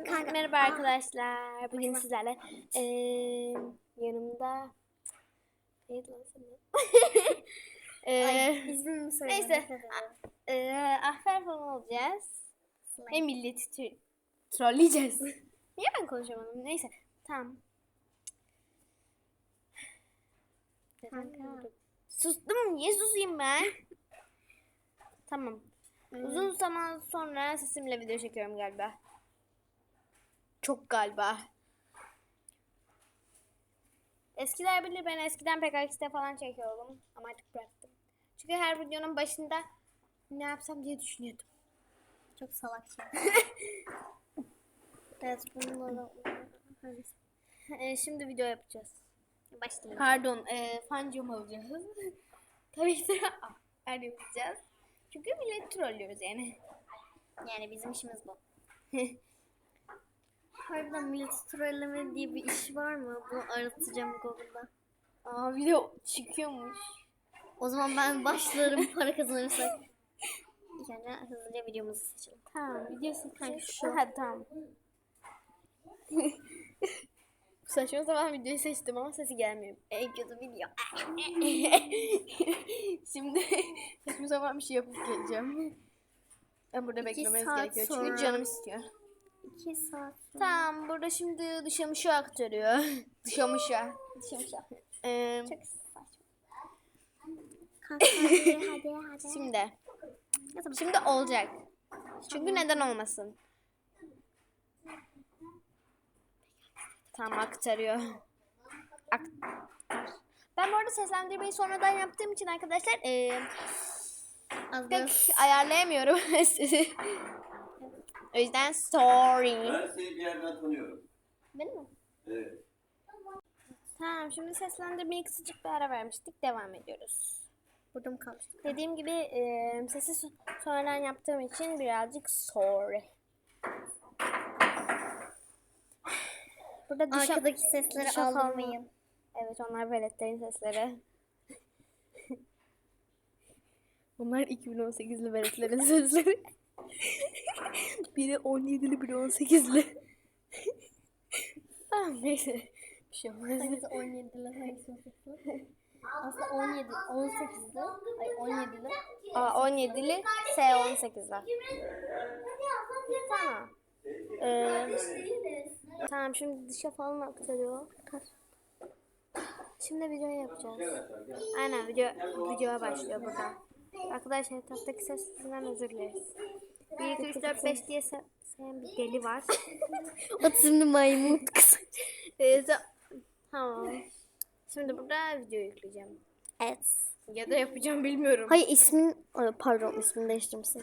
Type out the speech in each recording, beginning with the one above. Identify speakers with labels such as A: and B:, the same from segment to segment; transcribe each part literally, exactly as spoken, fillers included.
A: Kanka.
B: Merhaba arkadaşlar. Bugün sizlerle ee, yanımda neydi lan senin?
A: Ay, izin mi söyledin?
B: Neyse. Ee, Ahfer falan olacağız. Ve milleti tü- trolleyeceğiz. Niye ben konuşamadım? Neyse. Tamam.
A: Kanka.
B: Sustum. Niye susayım ben? Tamam. Uzun zaman sonra sesimle video çekiyorum galiba. Çok galiba. Eskiler bilir, ben eskiden P K X'te falan çekiyordum ama artık bıraktım. Çünkü her videonun başında ne yapsam diye düşünüyordum.
A: Çok salak şey. Evet, bununla
B: Ee, şimdi video yapacağız.
A: başlayalım.
B: Pardon, e, fancım olacağız. Tabii ki de her yapacağız. Çünkü millet trollüyoruz yani.
A: Yani bizim işimiz bu. Harbiden millet trolleme diye bir iş var mı? Bunu aratacağım Google'da.
B: Aa, video çıkıyormuş.
A: O zaman ben başlarım para kazanırsak. Yani hızlıca videomuzu seçelim.
B: Tamam, video seçeceğiz.
A: şu.
B: Aha, tamam. Saçma sapan videoyu seçtim ama sesi gelmiyor. En kötü video. Şimdi saçma sapan bir şey yapıp geleceğim. Ben burada
A: İki
B: beklemeniz
A: saat
B: gerekiyor
A: sonra.
B: çünkü canım istiyor.
A: İki saat sonra.
B: Tamam, burada şimdi dışamışı aktarıyor. Dışamışa.
A: Dışarı.
B: Ee,
A: Çok saçma. Kanka hadi hadi hadi.
B: şimdi. Şimdi olacak. Çünkü neden olmasın? Tamam, aktarıyor. Aktar. Ben bu arada seslendirmeyi sonradan yaptığım için arkadaşlar ee,
A: Az
B: pek
A: biraz
B: ayarlayamıyorum sizi. O yüzden sorry.
C: Ben seni bir yerden tanıyorum.
B: Benim mi?
C: Evet.
B: Tamam, şimdi seslendirmeye kısacık bir ara vermiştik. Devam ediyoruz.
A: burada mı kalmıştık?
B: Dediğim gibi e, sesi so- sonradan yaptığım için birazcık sorry. Burada dışa,
A: Arkadaki sesleri
B: dışa falan-
A: aldırmayın.
B: Evet, onlar veletlerin sesleri. Bunlar iki bin on sekizli veletlerin sesleri. Biri on yedili, biri on sekizli. Tamam, neyse. Bir şey olmaz.
A: Hangisi on yedili, hangisi on sekizli? Aslında on yedi, on sekizli. Ay on yedili.
B: Aa, on yedili, S on sekizli. Tamam. Ee, tamam, şimdi dışa falan aktarıyor. Şimdi video yapacağız. Aynen, video videoya başlıyor burada. Arkadaşlar, etraftaki sesinden özür dileriz. bir, iki, üç, dört, beş diye se- sayan bir deli var.
A: Otizmli maymun kız.
B: Ee, ta- tamam. Şimdi burada video yükleyeceğim.
A: Evet.
B: Ya da yapacağım, bilmiyorum.
A: Hayır ismin, Ay, pardon ismini değiştirmişsin.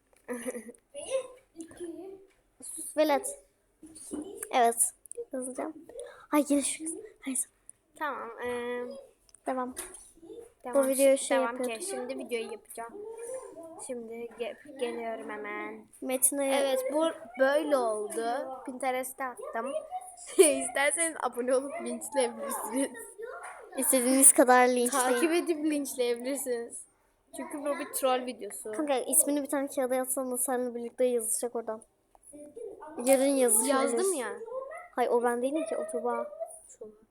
A: Sus velet. Evet. Yazacağım. Ay yine şu kız. Hayır.
B: Tamam. Ee,
A: Devam.
B: devam.
A: Bu videoyu şey
B: devam ki.
A: yapıyorduk.
B: Şimdi videoyu yapacağım. Şimdi ge- geliyorum hemen.
A: Metin'e
B: Evet, bu böyle oldu. Pinterest'e attım. İsterseniz abone olup linçleyebilirsiniz.
A: istediğiniz kadar linçleyin.
B: Takip edip linçleyebilirsiniz. Çünkü bu bir troll videosu.
A: Kanka ismini bir tane kağıda yazsana, seninle birlikte yazacak oradan. Yarın yazışırız.
B: Yazdım ya.
A: Hayır o ben değilim ki, o Tuba.
B: Şunu.